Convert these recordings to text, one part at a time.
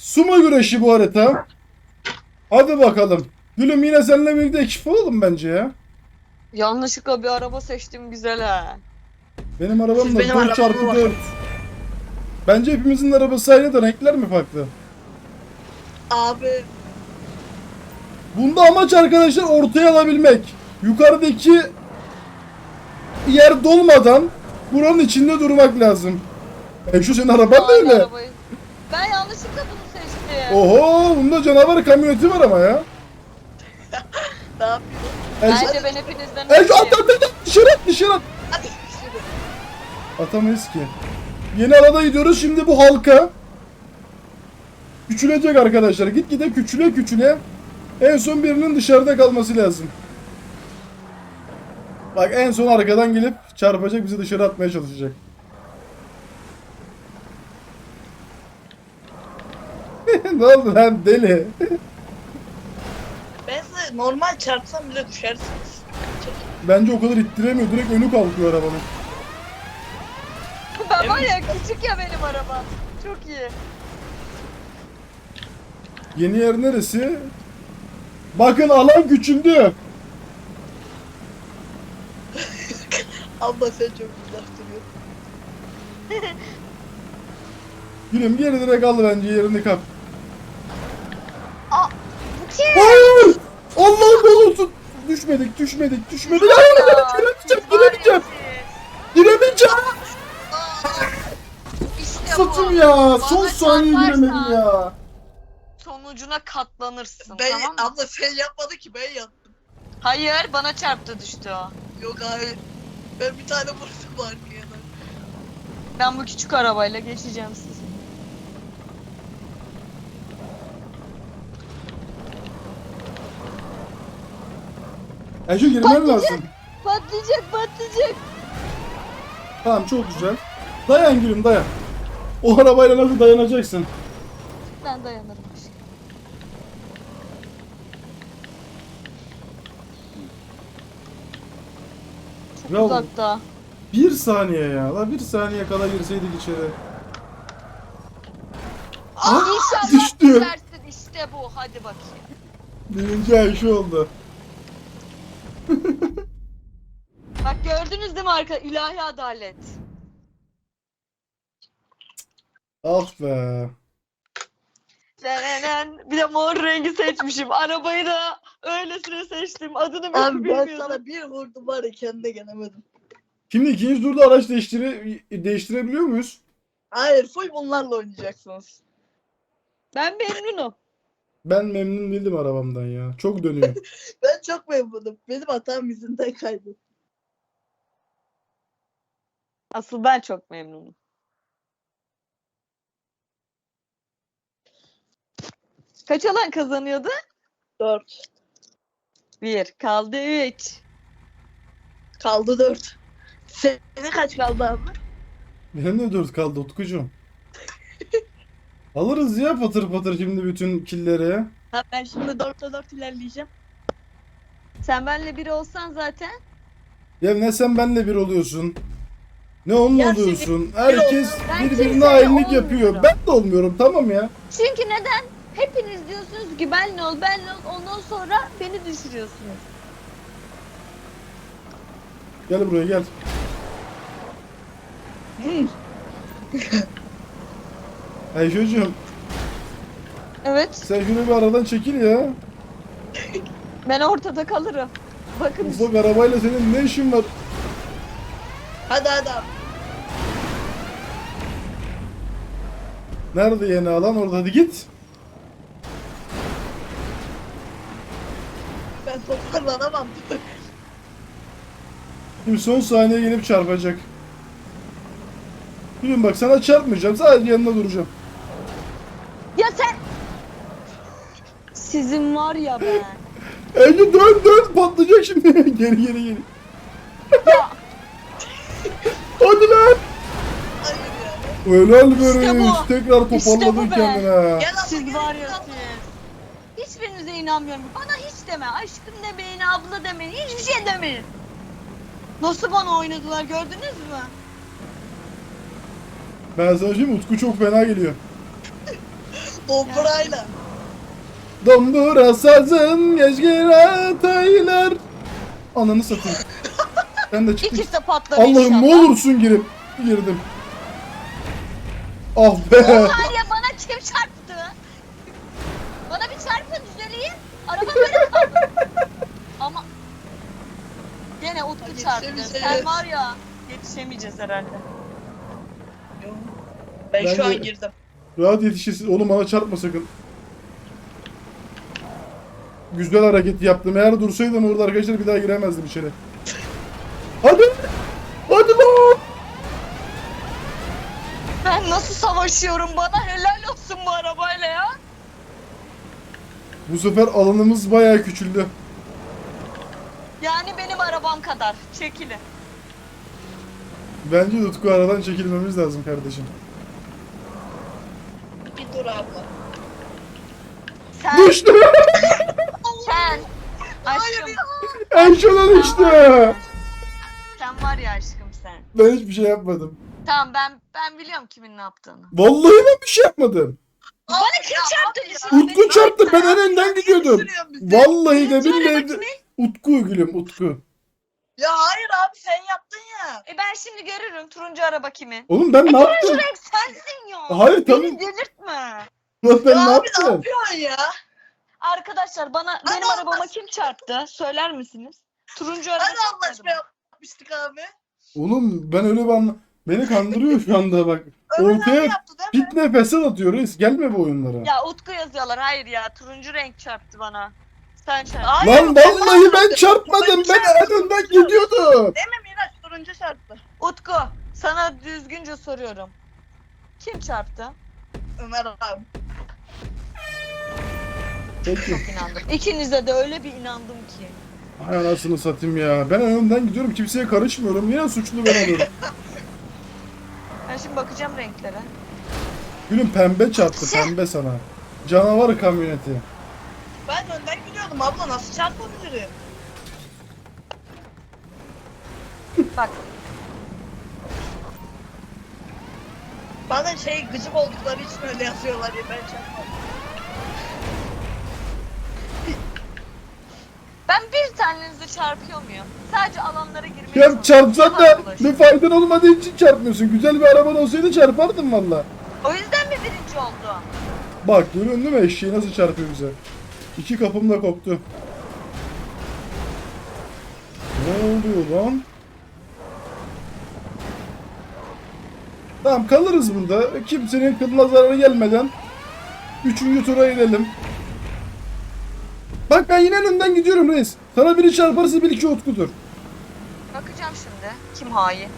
Sumo güreşi bu harita. Hadi bakalım. Gülüm yine seninle birlikte ekip olalım bence ya. Yanlışlıkla bir araba seçtim güzel ha. Benim arabam Siz da benim 4x4. arabama bakın. Bence hepimizin arabası aynı da renkler mi farklı? Abi Bunda amaç arkadaşlar ortaya alabilmek. Yukarıdaki yer dolmadan buranın içinde durmak lazım. Şu senin araban da Aynı öyle. arabayı. Ben yanlışlıkla bunu seçtim. Oho, bunda canavar kamyoneti var ama ya. ne yapıyorsun? Bence ben hepinizden Şu önceyim. at dışarı at. Hadi şimdi. Atamayız ki. Yeni alana gidiyoruz şimdi bu halka. Küçülecek arkadaşlar. Gitgide küçüle. En son birinin dışarıda kalması lazım. Bak en son arkadan gelip çarpacak, bizi dışarı atmaya çalışacak. Ne oldu lan deli? Ben size normal çarpsam bile düşersiniz. Bence o kadar ittiremiyor. Direkt önü kalkıyor arabanın. Ben var ya küçük ya benim araba. Çok iyi. Yeni yer neresi? Bakın alan küçüldü. Abla sen çok güzel duruyorsun. Gülüm geri direkt al bence, yerini kap. Aa, bu kim? Hayır! Allah'ım ne olursun. Düşmedik. Hayır, giremeyeceğim. İşte bu. Satım ya. Bana Son saniye çarparsan giremedim ya. Sonucuna katlanırsın Ben, tamam mı? abla sen yapmadı ki ben yaptım. Hayır bana çarptı düştü o. Yok hayır. Ben bir tane vurdum arkaya da. Ben bu küçük arabayla geçeceğim sizi. Şu girmen lazım. Patlayacak. Tamam, çok güzel. Dayan gülüm, dayan. O arabayla nasıl dayanacaksın? Ben dayanırım. Çok Ya- uzakta. Bir saniye ya. La bir saniye kala girseydik içeri. İnşallah düştü. düşersin işte bu. Hadi bakayım. Birinci Ayşe oldu. Bak gördünüz değil mi arka ilahi adalet. Ah be. Bir de mor rengi seçmişim. Arabayı da öylesine seçtim. Adını bile Abi ben bilmiyordum. sana bir vurdum var ya kendine gelemedim. Şimdi ikinci turda araç değiştirebiliyor muyuz? Hayır full bunlarla oynayacaksınız. Ben memnunum. Ben memnun değildim arabamdan ya. Çok dönüyor. Ben çok memnunum. Benim hatam yüzünden kaydım. Asıl ben çok memnunum. Kaç alan kazanıyordu? 4. 1. Kaldı 3. Kaldı 4. Senin kaç kaldı abi? Benim de 4 kaldı Utkucuğum. Alırız ya patır patır şimdi bütün killeri. Ha ben şimdi 4'te 4 ilerleyeceğim. Sen benle biri olsan zaten. Ya ne sen benle bir oluyorsun. Ne onunla Ya oluyorsun. Herkes Ben birbirine kimseyle hainlik yapıyor. olmuyorum. Ben de olmuyorum, tamam ya. Çünkü neden? Hepiniz diyorsunuz ki benle ol. Ondan sonra beni düşürüyorsunuz. Gel buraya gel. Ayşe'cim Evet. sen şunu bir aradan çekil ya. Ben ortada kalırım. Bakın Ufak arabayla senin ne işin var? Hadi hadi abi. Nerede yeni alan? Orada, hadi git. Ben toparlanamam. Şimdi son saniye gelip çarpacak. Gülüm bak, sana çarpmayacağım, sadece yanında duracağım. ya sen. Sizin var ya ben. Ece dön patlayacak şimdi. Geri. Ya Hadi lan. Hayır ya. Helal İşte be reis. bu. Tekrar İşte bu toparladın be. kendine. Gel abla siz gel, var gel ya abla. siz. Hiçbirinize inanmıyorum. Bana hiç deme. Aşkım demeyin, abla demeyin. Hiçbir şey demeyin. Nasıl bana oynadılar gördünüz mü? Ben sana söyleyeyim, Utku çok fena geliyor. Domburayla. Dombura sazın geçgire taylar. Ananı satayım. Ben de çıktım. İkisi de patladı Allah'ım ne inşallah. olursun girdim. Ah be. Var ya bana kim çarptı? Bana bir çarpın düzeleyim. Araba böyle kaldı. Ama gene Utku Hadi çarptı. yetişemeyeceğiz. Sen var ya yetişemeyeceğiz herhalde. Ben şu Bence- an girdim. Rahat yetişirsin. Oğlum bana çarpma sakın. Güzel hareket yaptım. Eğer dursaydım orada arkadaşlar bir daha giremezdim içeri. Hadi. Hadi lan. Ben nasıl savaşıyorum, bana helal olsun bu arabayla ya. Bu sefer alanımız bayağı küçüldü. Yani benim arabam kadar. Çekilin. Bence de Utku aradan çekilmemiz lazım kardeşim. Bir dur abla. Sen, Düştü. sen. Aşkım. En şuna düştü. Sen var ya aşkım sen. Ben hiçbir şey yapmadım. Tamam ben biliyorum kimin ne yaptığını. Vallahi ben bir şey yapmadım. Bana kim çarptı? Utku çarptı. Ben en önden gidiyordum. Sürüyorum bizi. Vallahi de Söyle billahi de. bakayım. Utku gülüm Utku. Ya hayır abi sen yaptın ya. Ben şimdi görürüm turuncu araba kimin. Oğlum ben ne Turuncu yaptım? renk sensin ya. Hayır, tamam. Beni delirtme. Lan ben Ya ne abi ne yaptım? yapıyorsun ya? Arkadaşlar benim Allah arabama aşkına. kim çarptı? Söyler misiniz? Turuncu araba Hadi Allah çarpmadı aşkına mı? yapmıştık abi. Oğlum ben öyle bir Beni kandırıyor şu anda bak. Ömer abi Ortaya yaptı değil mi? fitne fesat atıyor reis. Gelme bu oyunlara. Ya Utku yazıyorlar. Hayır ya turuncu renk çarptı bana. Sen çarptın. Hayır, Lan vallahi ben çarpmadım. Ben en önden gidiyordum. Değil mi Miraç? Turuncu şartlı. Utku sana düzgünce soruyorum. Kim çarptı? Ömer abi. Peki. Çok inandım. İkinize de öyle bir inandım ki. Hay anasını satayım ya. Ben en önden gidiyorum. Kimseye karışmıyorum. Yine suçlu ben oluyorum. Ben şimdi bakacağım renklere. Gülüm pembe çarptı. Pembe sana. Canavar kamyoneti. Ben önden gidiyordum abla nasıl çarpabilirim? Bak Bana gıcık oldukları için öyle yazıyorlar ya ben çarpmadım. ben bir tanenizi çarpıyor muyum? Sadece alanlara girmeye Ya çalışıyorum. çarpsan da Yalan bulaş. bir faydan olmadığı için çarpmıyorsun. Güzel bir araban olsaydı çarpardın valla. O yüzden mi birinci oldu? Bak görüyorsun değil mi eşeği nasıl çarpıyor bize. İki kapım da koptu. Ne oluyor lan? Tamam kalırız burada. Kimsenin kılına zararı gelmeden 3. tura inelim. Bak ben yine önünden gidiyorum reis. Sana biri çarparsa bil ki Utku'dur. Bakacağım şimdi. Kim hain?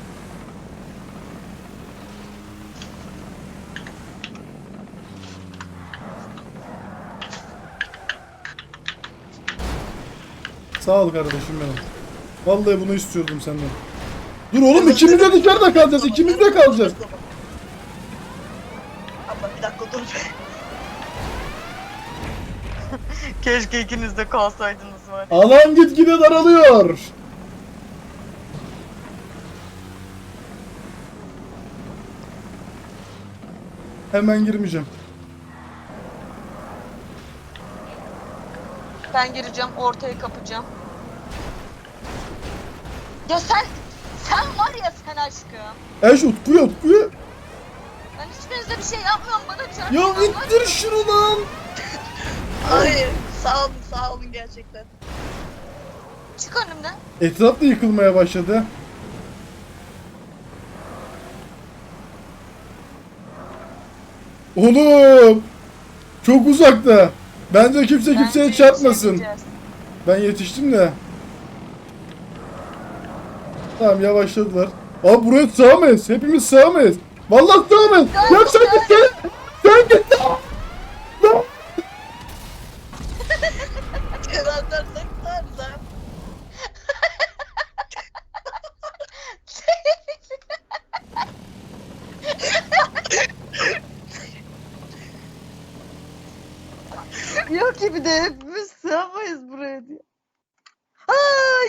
Sağ ol kardeşim benim. Vallahi bunu istiyordum senden. Dur oğlum ikimiz de dışarıda kalacağız. İkimiz de kalacağız. Abla bir dakika dur. Keşke ikiniz de kalsaydınız var. Alan gitgide daralıyor. Hemen girmeyeceğim. Ben gireceğim, ortayı kapacağım. Ya sen var ya sen aşkım. Eş Utku'ya. Ben hiçbirinize bir şey yapmıyorum, bana Ya çarpıyorlar. ittir şunu lan. Hayır sağ olun gerçekten. Çık önümden. Etraf da yıkılmaya başladı. Oğlum. Çok uzakta. Bence kimse kimseye Bence çarpmasın. yetişemeyeceğiz. Ben yetiştim de. Tamam yavaşladılar. Abi buraya sığamayız. Hepimiz sığamayız. Vallahi sığamayız. Ya sen git sen. Sen git. Lan. Kenar dersek tutarız ha. Yok ki bir de hepimiz sığamayız buraya diye. Ay!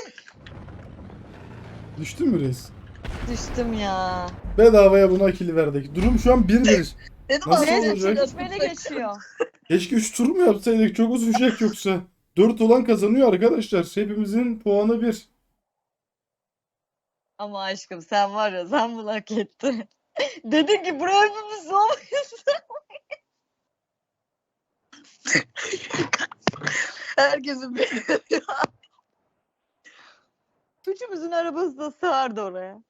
Düştün mü reis? Düştüm ya. Bedavaya buna kill verdik. Durum şu an 1-1. Dedim Nasıl abi, Neyse olacak? çekişmeli geçiyor. Keşke 3 tur mu yapsaydık? Çok uzayacak yoksa. 4 olan kazanıyor arkadaşlar. Hepimizin puanı 1. Ama aşkım sen var ya sen bunu hak ettin. Dedin ki buraya hepimiz olmayız. Herkesin bir Üçümüzün arabası da sığardı oraya.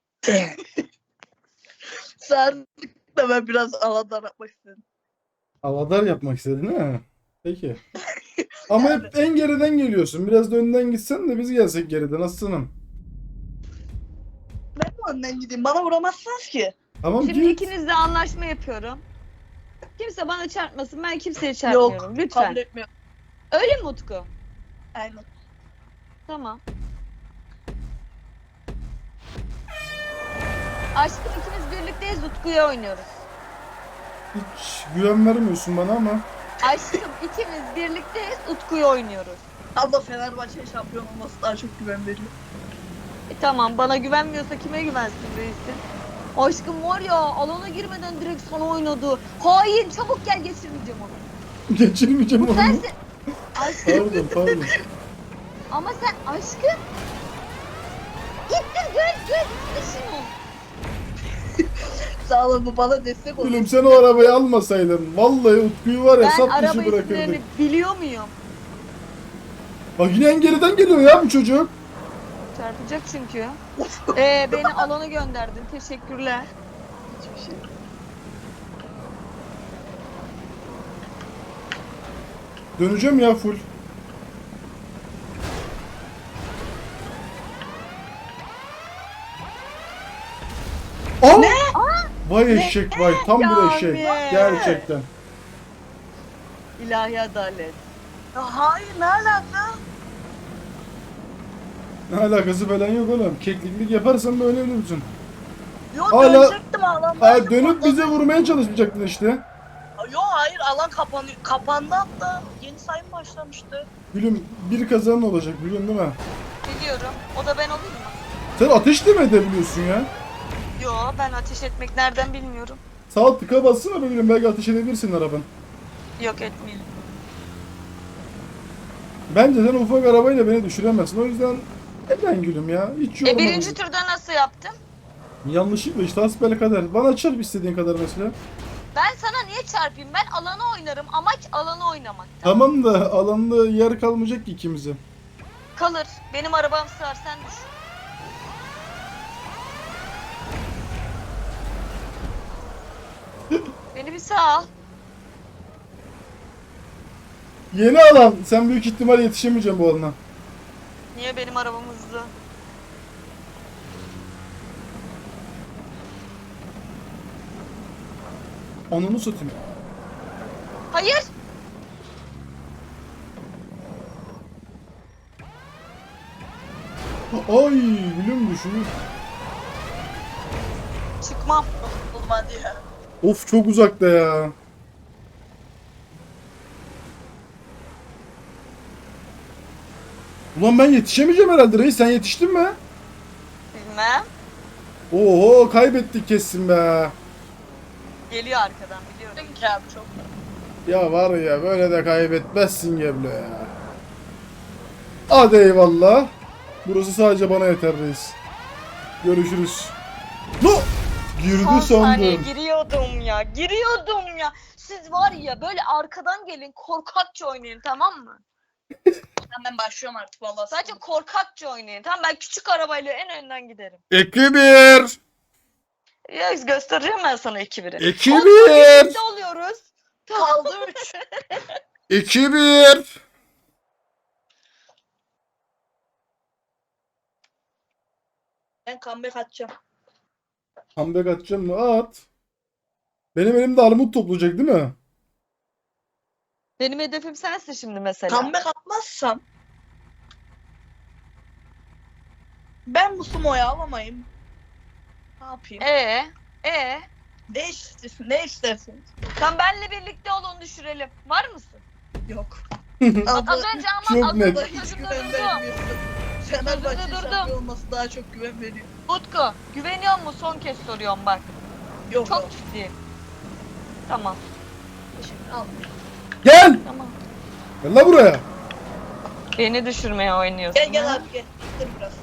Sen de ben biraz alandan atmak istedim. Havadar yapmak istedin ha? Peki. Ama hep en geriden geliyorsun. Biraz da önden gitsen de biz gelsek geriden aslanım. Ben mi önden gideyim? Bana vuramazsınız ki. Tamam Şimdi git. ikinizle anlaşma yapıyorum. Kimse bana çarpmasın, ben kimseye çarpmıyorum. Lütfen. Kabul etmiyorum. Öyle mi Utku? Aynen. Tamam. Aşkım ikimiz birlikteyiz, Utku'ya oynuyoruz. Hiç güven vermiyorsun bana ama. Aşkım ikimiz birlikteyiz, Utku'ya oynuyoruz. Abla Fenerbahçe şampiyon olması daha çok güven veriyor. Tamam, bana güvenmiyorsa kime güvensin reisim? Aşkım var ya, alana girmeden direkt sana oynadı. Hain, çabuk gel, geçirmeyeceğim onu. Geçirmeyeceğim onu. Sensin. Aşkım, Pardon. ama sen aşkım. İttir, gör şunu. Sağ olun, bu bana destek olun. Gülüm sen o arabayı almasaydın. Vallahi Utku'yu var ya Ben sap dışı araba bırakırdık. isimlerini biliyor muyum? Bak yine en geriden geliyor ya bu çocuk. Çarpacak çünkü. Beni alana gönderdin. Teşekkürler. Hiçbir şey. Döneceğim ya full. Ne? Vay eşek vay. Tam bir Ya eşek. be. Gerçekten. İlahi adalet. Ya hayır, ne alaka? Ne alakası falan yok oğlum. Kekliklik yaparsan böyle ölürsün. Yok, Hala- dönecektim alan. Ha dönüp bize vurmaya çalışmayacaktın işte. Yok hayır, alan kapanıyor. Kapandı hatta. Yeni sayım başlamıştı. Gülüm bir kazanan olacak biliyorsun değil mi? Biliyorum. O da ben olayım mı? Sen ateş de mi edebiliyorsun ya? Yo, ben ateş etmek nereden bilmiyorum. Sağ tıka bassana be gülüm belki ateş edebilirsin araban. Yok, etmeyelim. Bence sen ufak arabayla beni düşüremezsin. O yüzden neden gülüm ya? Hiç yorma. Birinci turda nasıl yaptım? Yanlışlıkla işte hasbelkader. Bana çarp istediğin kadar mesela. Ben sana niye çarpayım? Ben alana oynarım. Amaç alanı oynamak. Tamam da alanda yer kalmayacak ki ikimize. Kalır. Benim arabam sığar, sen düşün. Beni bir sağ al. Yeni alan. Sen büyük ihtimal yetişemeyeceksin bu alana. Niye, benim arabam hızlı? Ananı satayım. Hayır. Ay gülüm düşün. Çıkmam. Olmadı ya. Of çok uzakta ya. Ulan ben yetişemeyeceğim herhalde reis. Sen yetiştin mi? Bilmem. Oho kaybettik kesin be. Geliyor arkadan, biliyorum. Peki abi, çok. Ya var ya böyle de kaybetmezsin Geblo ya. Hadi eyvallah. Burası sadece bana yeter reis. Görüşürüz. No! Girdi Son saniye sandım. giriyordum ya. Siz var ya, böyle arkadan gelin, korkakça oynayın, tamam mı? Ben başlıyorum artık vallahi. Sadece korkakça oynayın, tamam? Ben küçük arabayla en önden giderim. 2-1. Ya göstereceğim ben sana 2-1'i. 2-1. Birlikte oluyoruz. kaldı 3. 2-1. Ben comeback atacağım. Comeback atacağım mı? At. Benim elimde armut toplayacak değil mi? Benim hedefim sensin şimdi mesela. Comeback atmazsam ben bu sumoyu alamayayım. Ne yapayım? Ne istersin? Ne istersin? Sen benle birlikte ol, onu düşürelim. Var mısın? Yok. Az önce çok ama net. az Hiç önce güven durdum. vermiyorsun. Fenerbahçe Durdum. şampiyon olması daha çok güven veriyor. Utku, güveniyor musun? Son kez soruyorum bak. Yok Çok yok. ciddiyim. Tamam. Şimdi al. Gel. Tamam. Gel la buraya. Beni düşürmeye oynuyorsun. Gel gel abi gel. Dur biraz.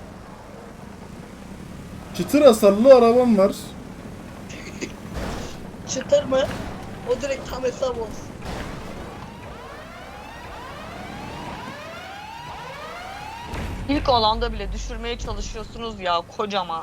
Çıtır hasarlı arabam var. Çıtır mı? O direkt tam hesap olsun. İlk alanda bile düşürmeye çalışıyorsunuz ya kocama.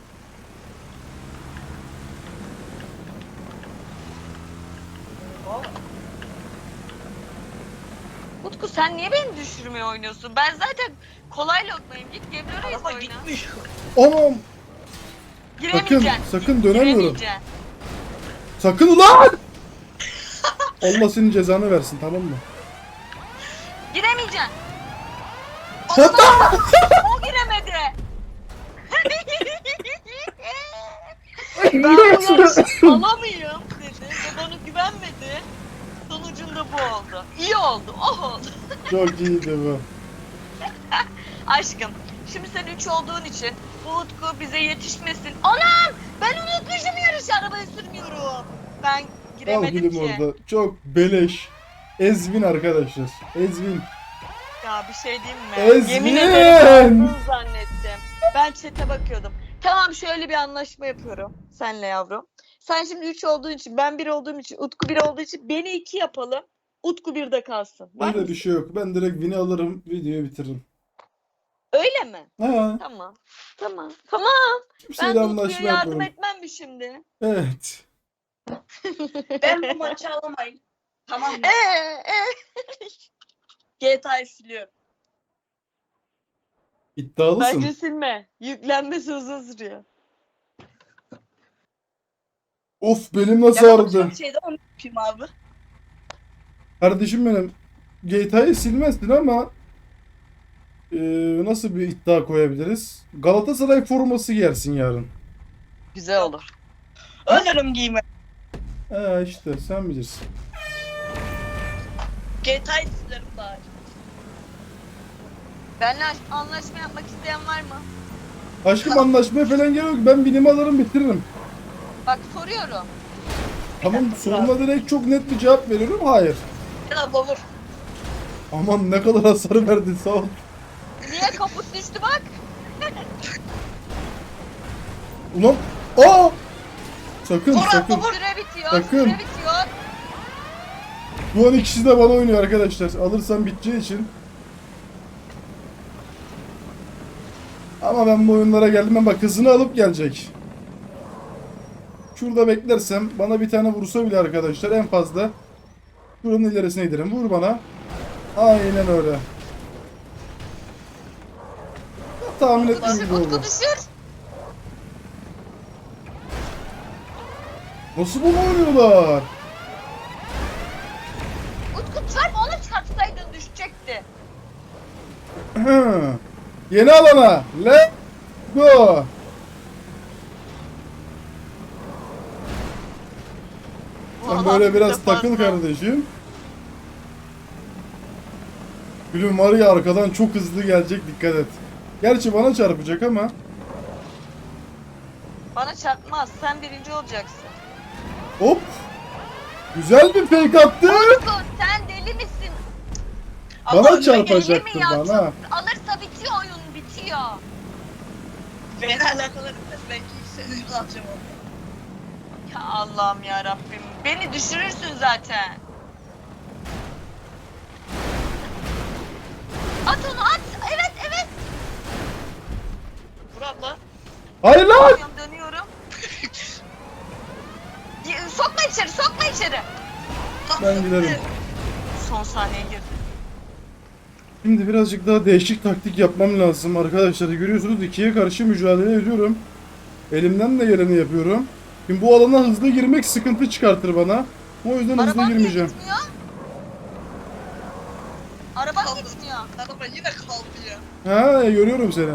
Utku sen niye beni düşürmeye oynuyorsun? Ben zaten kolay lokmayım. Git Gebze Reis Araba oyna. gitmiş. Anam. Giremeyeceksin. Sakın dönemiyorum. Giremeyeceksin. Sakın ulan. Allah senin cezanı versin, tamam mı? Giremeyeceksin. Hatta. O giremedi. Ben bu yarışı alamayayım dedi ve bana güvenmedi. Sonucunda bu oldu. İyi oldu, oh oldu. Çok iyiydi bu. Aşkım, şimdi sen 3 olduğun için bu Utku bize yetişmesin. Anam! Ben unutmuşum yarışı, arabayı sürmüyorum. Ben Al giremedim gülüm ki. orada. Çok beleş. Ezvin arkadaşlar. Ezvin. Ya bir şey diyeyim mi? Ezgin! Yemin ederim aldın zannettim. Ben chat'e bakıyordum. Tamam şöyle bir anlaşma yapıyorum senle yavrum. Sen şimdi 3 olduğun için, ben 1 olduğum için, Utku 1 olduğu için beni 2 yapalım. Utku 1'de kalsın. Var Öyle mı? bir şey yok. Ben direkt win'i alırım, videoyu bitiririm. Öyle mi? Ha, Tamam. Tamam. Tamam. Ben kimseyle de anlaşma Utku'ya yardım yapıyorum. etmem mi şimdi? Evet. Ben bu maçı alamayın. Tamam mı? Ee. GTA'yı siliyorum. İddialısın. Bence silme. Yüklenmesi uzun sürüyor. Of, benim nasıl Ya ağrıdı. çok şeyde onu yapayım abi. Kardeşim benim. GTA'yı silmezsin ama nasıl bir iddia koyabiliriz? Galatasaray forması giyersin yarın. Güzel olur. Ölürüm giyme. İşte sen bilirsin. GTA'yı silerim daha iyi. Benimle anlaşma yapmak isteyen var mı? Aşkım anlaşmaya falan gerek yok. Ben win'imi alırım, bitiririm. Bak soruyorum. Tamam, soruna direkt çok net bir cevap veriyorum. Hayır. Gel abla vur. Aman ne kadar hasar verdin, sağ ol. Niye kaput düştü bak? Ulan. Aa! Sakın Vur sakın. abla vur. Süre bitiyor. Sakın. Süre bitiyor. Bu an ikisi de bana oynuyor arkadaşlar. Alırsam biteceği için. Ama ben bu oyunlara geldim. Ben bak, hızını alıp gelecek. Şurada beklersem bana bir tane vursa bile arkadaşlar en fazla şuranın ilerisine giderim. Vur bana. Aynen öyle. Tahmin ettiğim Düşür gibi Utku oldu. düşür. Nasıl bunu oynuyorlar? Utku çarp ona çarpsaydın düşecekti. Yeni alana. Let's go. Sen böyle biraz takıl kardeşim. Gülüm var ya, arkadan çok hızlı gelecek, dikkat et. Gerçi bana çarpacak ama. Bana çarpmaz. Sen birinci olacaksın. Hop. Güzel bir fake attı. Utku sen deli misin? Bana Ama çarpacaktı, deli mi ya? bana. Alırsa bitiyor oyun bitiyor. Beni alakalı etmez. Belki seni alacağım onu. Ya Allah'ım ya Rabbim. Beni düşürürsün zaten. At onu at. Evet evet. Vur abla. Hayır lan. Dönüyorum dönüyorum. Sokma içeri sokma içeri. Ben giderim. Son saniye girdi. Şimdi birazcık daha değişik taktik yapmam lazım arkadaşlar. Görüyorsunuz, ikiye karşı mücadele ediyorum. Elimden de geleni yapıyorum. Şimdi bu alana hızlı girmek sıkıntı çıkartır bana. O yüzden hızlı Arabam niye girmeyeceğim. gitmiyor? Arabam Kaldı. gitmiyor. Araba yine kaldı ya. Ha, görüyorum seni.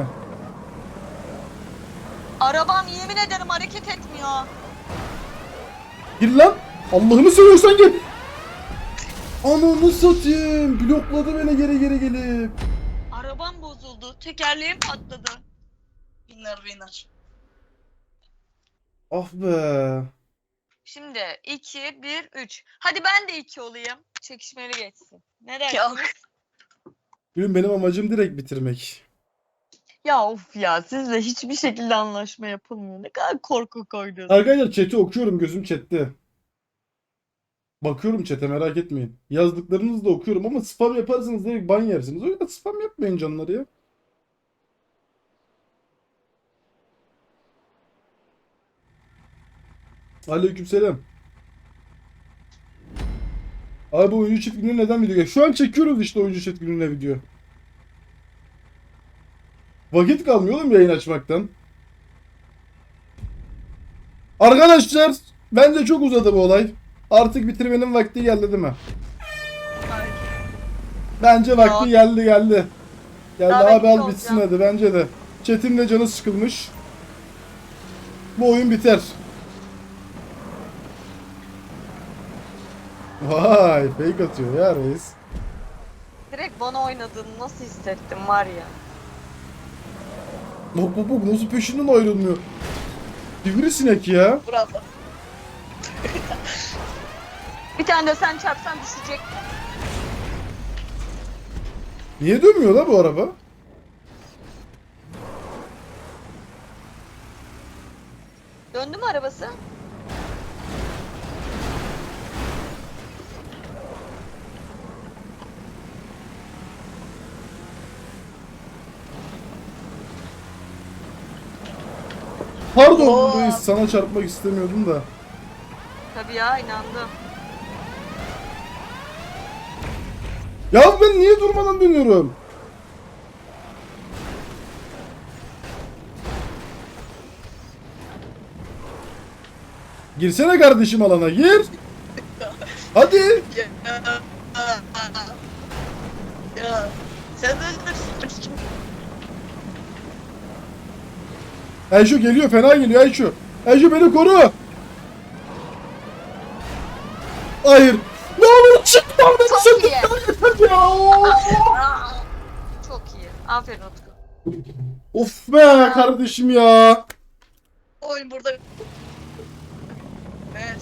Arabam yemin ederim hareket etmiyor. Gir lan. Allah'ını seviyorsan gir. Ananı satayım. Blokladı beni geri gelip. Arabam bozuldu. Tekerleğim patladı. Winner winner. Ah be. Şimdi 2, 1, 3. Hadi ben de 2 olayım. Çekişmeli geçsin. Ne dersiniz? Yok. Gülüm benim amacım direkt bitirmek. Ya of ya, sizle hiçbir şekilde anlaşma yapılmıyor. Ne kadar korku koydunuz. Arkadaşlar chat'i okuyorum, gözüm chat'te. Bakıyorum chat'e, merak etmeyin. Yazdıklarınızı da okuyorum ama spam yaparsanız direkt ban yersiniz. O yüzden spam yapmayın canları ya. Aleykümselam. Abi bu oyuncu çift günü neden video? Şu an çekiyoruz işte oyuncu çift gününe video. Vakit kalmıyor oğlum yayın açmaktan. Arkadaşlar bence çok uzadı bu olay. Artık bitirmenin vakti geldi değil mi? Hayır. Bence vakti geldi. Geldi Daha abi, ben al bitsin hadi bence de. Chat'in de canı sıkılmış. Bu oyun biter. Vay fake atıyor ya reis. Direkt bana oynadığını nasıl hissettim var ya. Bak bak bak nasıl peşinden ayrılmıyor. Sivrisinek ya. Bravo. Bir tane de sen çarpsan düşecek. Niye dönmüyor la bu araba? Döndü mü arabası? Pardon Oo. reis, sana çarpmak istemiyordum da. Tabii ya, inandım. Ya ben niye durmadan dönüyorum? Girsene kardeşim alana, gir. Hadi. Ya. Ya. Sen de Ayşu geliyor, fena geliyor Ayşu. Ayşu beni koru. Hayır. Ne olur çıkma oradan, Çok sen iyi. yeter ya. Çok iyi. Aferin Utku. Of be kardeşim ya. oyun burada. Evet.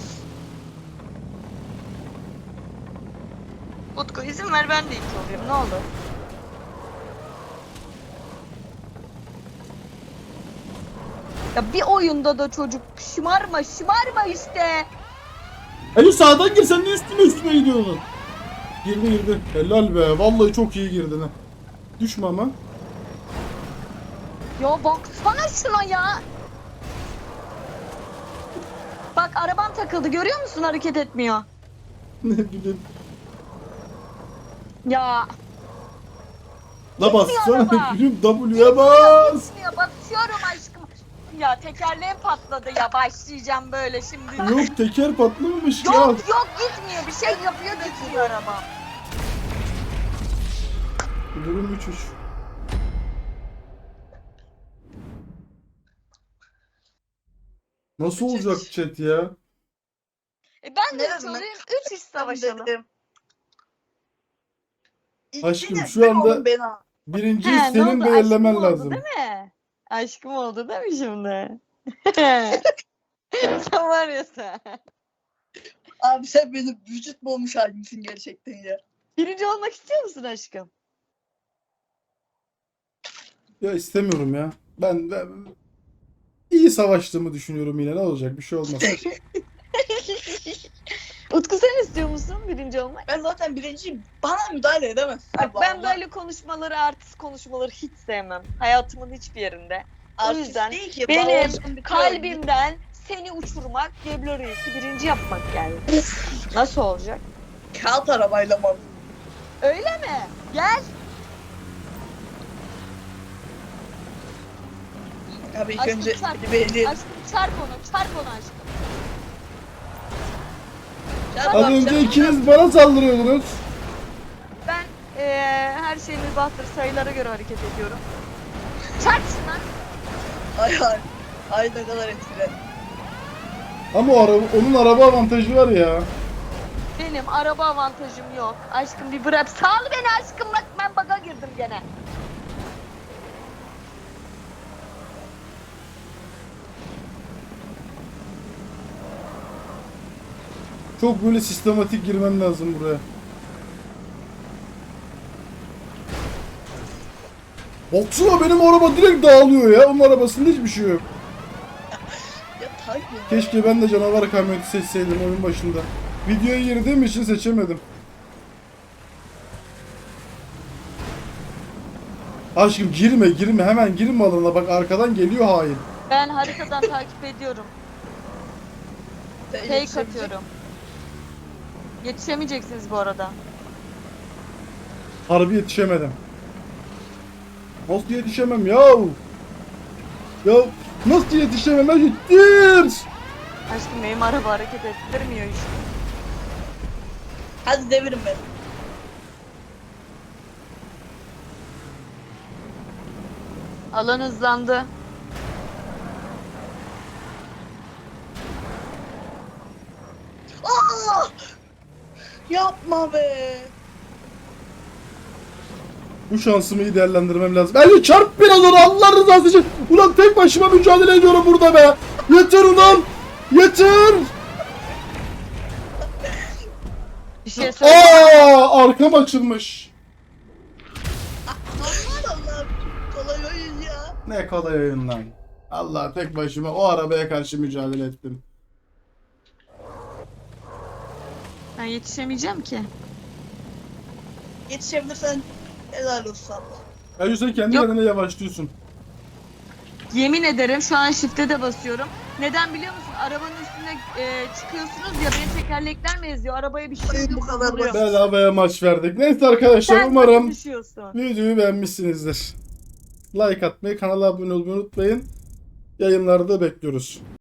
Utku izin ver, ben de ilk olayım. Ne olur. Ya bir oyunda da çocuk şımarma işte. Ayşu sağdan gir, sen ne üstüne gidiyorsun? Girdi. Helal be. Vallahi çok iyi girdin ha. Düşme ama. Ya baksana şuna ya. Bak arabam takıldı, görüyor musun, hareket etmiyor. Ne bileyim. Ya. La bassana araba. gülüm, W'ye bas. Gitmiyor, basıyorum aşkım. Ya tekerleğim patladı ya, başlayacağım böyle şimdi. Yok teker patlamamış ya. Yok gitmiyor, bir şey yapıyor, gitmiyor araba. Durum 3-3. Nasıl olacak chat ya? Ben de Ne hiç dedim olayım, 3 iş Ben savaşalım. dedim. Aşkım, İlkine şu ben anda- oldum, ben al. Birinciyi He, ne senin oldu? belirlemen Aşkım oldu lazım. değil mi? Aşkım oldu değil mi şimdi? Sen var ya sen. Abi sen benim vücut bulmuş halimsin gerçekten ya. Birinci olmak istiyor musun aşkım? Ya istemiyorum ya. Ben iyi savaştığımı düşünüyorum yine. Ne olacak? Bir şey olmaz. Utku, sen istiyor musun birinci olmak? Ben zaten birinciyim. Bana müdahale edemezsin. Bak Allah ben Allah. böyle konuşmaları, artist konuşmaları hiç sevmem. Hayatımın hiçbir yerinde. Artist yüzden değil ki, benim bana olsun bir Kalbimden seni uçurmak, Geblo Reis'i birinci yapmak geldi. Nasıl olacak? kağıt arabayla mı? Öyle mi? Gel. Abi ilk Aşkım önce çarp. bir elleyelim. Aşkım çarp onu aşkım. Az önce ikiniz bana saldırıyordunuz. Ben her şeyin mübahtır, sayılara göre hareket ediyorum. Çarp şuna. Ay. Ay ne kadar etkilendim. Ama onun araba avantajı var ya. Benim araba avantajım yok. Aşkım bir bırak. Sal beni aşkım, bak ben baga girdim gene. Çok böyle sistematik girmem lazım buraya. Baksana benim araba direkt dağılıyor ya. Onun arabasında hiçbir şey yok. Ya tabii. Keşke ben de canavar kamyoneti seçseydim oyun başında. Videoya girdiğim için seçemedim. Aşkım girme hemen girme alana, bak arkadan geliyor hain. Ben haritadan takip ediyorum. Fake atıyorum. Yetişemeyeceksiniz bu arada. Harbi yetişemedim. Nasıl yetişemem yahu? Ya nasıl yetişemem, ben yettir. Aşkım benim araba hareket ettirmiyor işte. Hadi devirin beni. Alan hızlandı. Aa! Yapma be. Bu şansımı iyi değerlendirmem lazım. Ali çarp biraz onu Allah rızası için. Ulan tek başıma mücadele ediyorum burada be. Yeter ulan. Yeter. Bir şey söyleyeyim. Arkam açılmış. Aman Allah'ım. Kolay oyun ya. Ne kolay oyun lan. Allah, tek başıma o arabaya karşı mücadele ettim. Ben yetişemeyeceğim ki. Yetişebilirsen helal olsun Allah. Ali sen kendi Yok. kendine yavaşlıyorsun. Yemin ederim şu an shift'e de basıyorum. Neden biliyor musun? Arabanın üstüne çıkıyorsunuz ya, beni tekerlekler mi eziyor? Arabaya bir şey Ay, bu yok. kadar bozuluyor. basit. Bedavaya maç verdik. Neyse arkadaşlar, Sen umarım nasıl düşüyorsun? videoyu beğenmişsinizdir. Like atmayı, kanala abone olmayı unutmayın. Yayınlarda bekliyoruz.